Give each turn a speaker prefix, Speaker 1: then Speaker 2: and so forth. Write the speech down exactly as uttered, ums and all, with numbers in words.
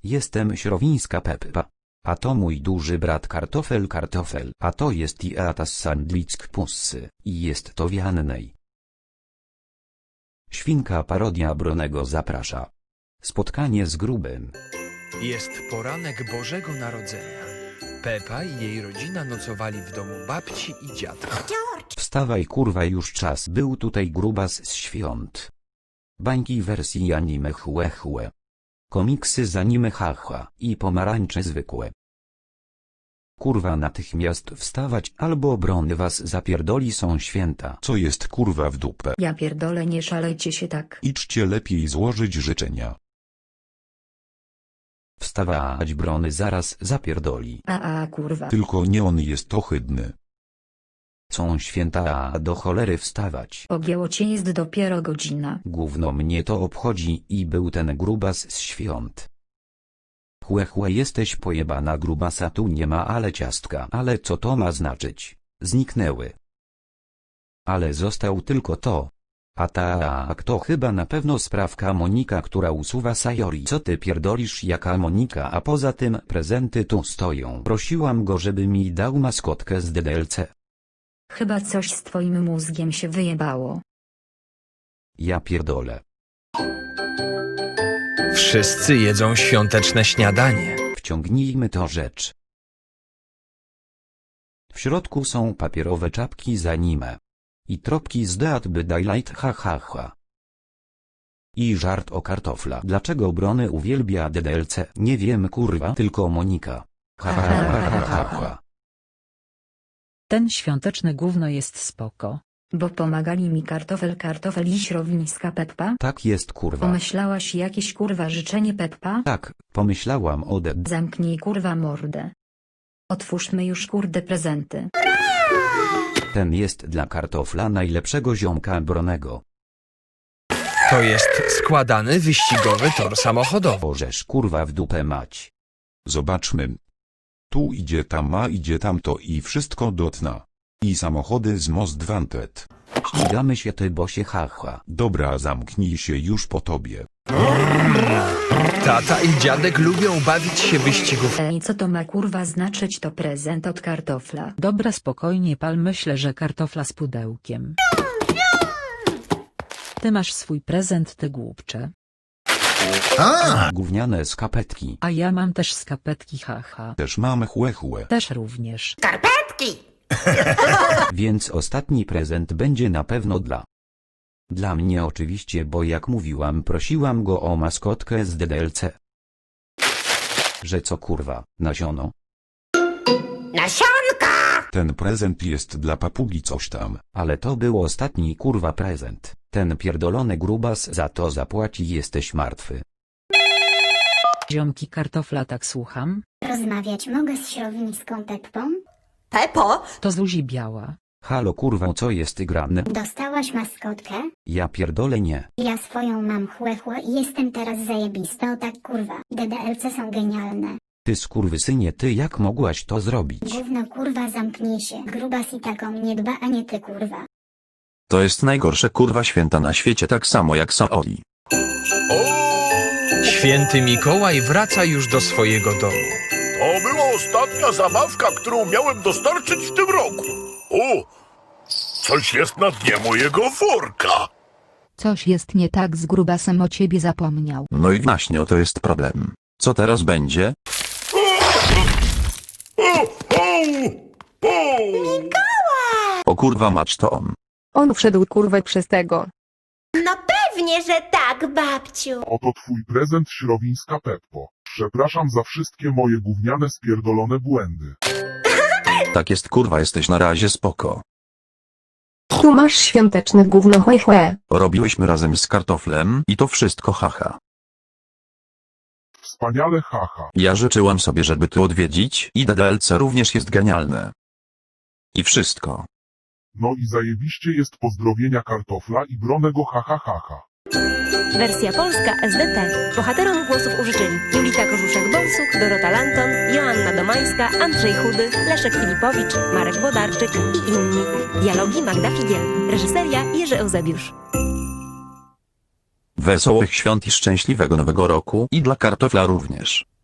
Speaker 1: Jestem Śrowińska Peppa. A to mój duży brat Kartofel Kartofel. A to jest Iatas Sandlick Pussy. I jest to Wiannej. Świnka parodia Bronego zaprasza. Spotkanie z grubym.
Speaker 2: Jest poranek Bożego Narodzenia. Peppa i jej rodzina nocowali w domu babci i dziadka.
Speaker 1: Wstawaj kurwa, już czas. Był tutaj grubas z świąt. Bańki wersji anime chłe chłe. Komiksy z anime haha i pomarańcze zwykłe. Kurwa, natychmiast wstawać, albo Brony was zapierdoli, są święta.
Speaker 3: Co jest kurwa w dupę?
Speaker 4: Ja pierdolę, nie szalejcie się tak.
Speaker 3: Idźcie lepiej złożyć życzenia.
Speaker 1: Wstawać, Brony zaraz zapierdoli.
Speaker 4: A a kurwa.
Speaker 3: Tylko nie on jest ohydny.
Speaker 1: Są święta, a do cholery wstawać.
Speaker 4: Pogięło cię, jest dopiero godzina.
Speaker 1: Gówno mnie to obchodzi i był ten grubas z świąt. Chłe chłe, jesteś pojebana, grubasa tu nie ma, ale ciastka. Ale co to ma znaczyć? Zniknęły. Ale został tylko to. A tak, to chyba na pewno sprawka Monika, która usuwa Sayori. Co ty pierdolisz, jaka Monika? A poza tym prezenty tu stoją. Prosiłam go, żeby mi dał maskotkę z D D L C.
Speaker 4: Chyba coś z twoim mózgiem się wyjebało.
Speaker 1: Ja pierdolę.
Speaker 2: Wszyscy jedzą świąteczne śniadanie.
Speaker 1: Wciągnijmy to rzecz. W środku są papierowe czapki z anime. I tropki z Dead by Daylight, ha ha ha. I żart o kartofla. Dlaczego Brony uwielbia D D L C? Nie wiem kurwa, tylko Monika. Ha ha ha ha ha ha.
Speaker 5: Ten świąteczny gówno jest spoko.
Speaker 4: Bo pomagali mi Kartofel Kartofel i Śrowińska Peppa?
Speaker 1: Tak jest kurwa.
Speaker 4: Pomyślałaś jakieś kurwa życzenie, Peppa?
Speaker 1: Tak, pomyślałam o D D.
Speaker 4: Zamknij kurwa mordę. Otwórzmy już kurde prezenty.
Speaker 1: Ten jest dla kartofla, najlepszego ziomka Bronego.
Speaker 2: To jest składany wyścigowy tor samochodowy.
Speaker 1: Bożesz kurwa w dupę mać.
Speaker 3: Zobaczmy. Tu idzie tam, a idzie tamto i wszystko do dna. I samochody z Most Wanted.
Speaker 1: Ścigamy się, ty bosie, haha.
Speaker 3: Dobra, zamknij się już po tobie.
Speaker 2: Tata i dziadek lubią bawić się wyścigów.
Speaker 4: Ej, co to ma kurwa znaczyć? To prezent od Kartofla.
Speaker 5: Dobra, spokojnie pal, myślę, że kartofla z pudełkiem. Ty masz swój prezent, ty głupcze.
Speaker 1: Gówniane skapetki.
Speaker 5: A ja mam też skapetki, haha.
Speaker 3: Też mamy chłe chłe.
Speaker 5: Też również.
Speaker 1: Więc ostatni prezent będzie na pewno dla... Dla mnie oczywiście, bo jak mówiłam, prosiłam go o maskotkę z D D L C. Że co kurwa, nasiono?
Speaker 3: Ten prezent jest dla papugi coś tam.
Speaker 1: Ale to był ostatni kurwa prezent. Ten pierdolony grubas za to zapłaci, jesteś martwy.
Speaker 5: Ziomki kartofla, tak słucham?
Speaker 6: Rozmawiać mogę z Śrowińską Peppą?
Speaker 7: Pepo,
Speaker 5: To Zuzi Biała.
Speaker 1: Halo kurwa, co jest grane?
Speaker 6: Dostałaś maskotkę?
Speaker 1: Ja pierdolę nie.
Speaker 6: Ja swoją mam chłe chłe i jestem teraz zajebista, o tak kurwa. D D L C są genialne.
Speaker 1: Ty skurwysynie, ty jak mogłaś to zrobić?
Speaker 6: Gówno kurwa, zamknij się. Grubas i taką nie dba, a nie ty kurwa.
Speaker 8: To jest najgorsze kurwa święta na świecie, tak samo jak Saori.
Speaker 2: Święty Mikołaj wraca już do swojego domu.
Speaker 9: To była ostatnia zabawka, którą miałem dostarczyć w tym roku. O, coś jest na dnie mojego worka.
Speaker 10: Coś jest nie tak z grubasem, o ciebie zapomniał.
Speaker 8: No i właśnie, to jest problem. Co teraz będzie?
Speaker 9: O, o, o.
Speaker 8: O kurwa mać, to on.
Speaker 10: On wszedł kurwę przez tego.
Speaker 7: no pewnie, że tak, babciu.
Speaker 11: Oto twój prezent, Śrowińska Peppo. Przepraszam za wszystkie moje gówniane spierdolone błędy.
Speaker 8: Tak jest kurwa, jesteś na razie spoko.
Speaker 10: Tu masz świąteczne gówno, chłe chłe.
Speaker 8: Robiłyśmy razem z kartoflem i to wszystko haha.
Speaker 11: Wspaniale, haha.
Speaker 8: Ja życzyłam sobie, żeby tu odwiedzić i D D L C również jest genialne. I wszystko.
Speaker 11: No i zajebiście jest, pozdrowienia Kartofla i Bronego, haha haha.
Speaker 7: Wersja polska S D T. Bohaterom głosów użyczyli Julita Korzuszek-Bąsuk, Dorota Lanton, Joanna Domańska, Andrzej Chudy, Leszek Filipowicz, Marek Włodarczyk i inni. Dialogi Magda Figiel. Reżyseria Jerzy Eusebiusz.
Speaker 8: Wesołych świąt i szczęśliwego nowego roku i dla kartofla również.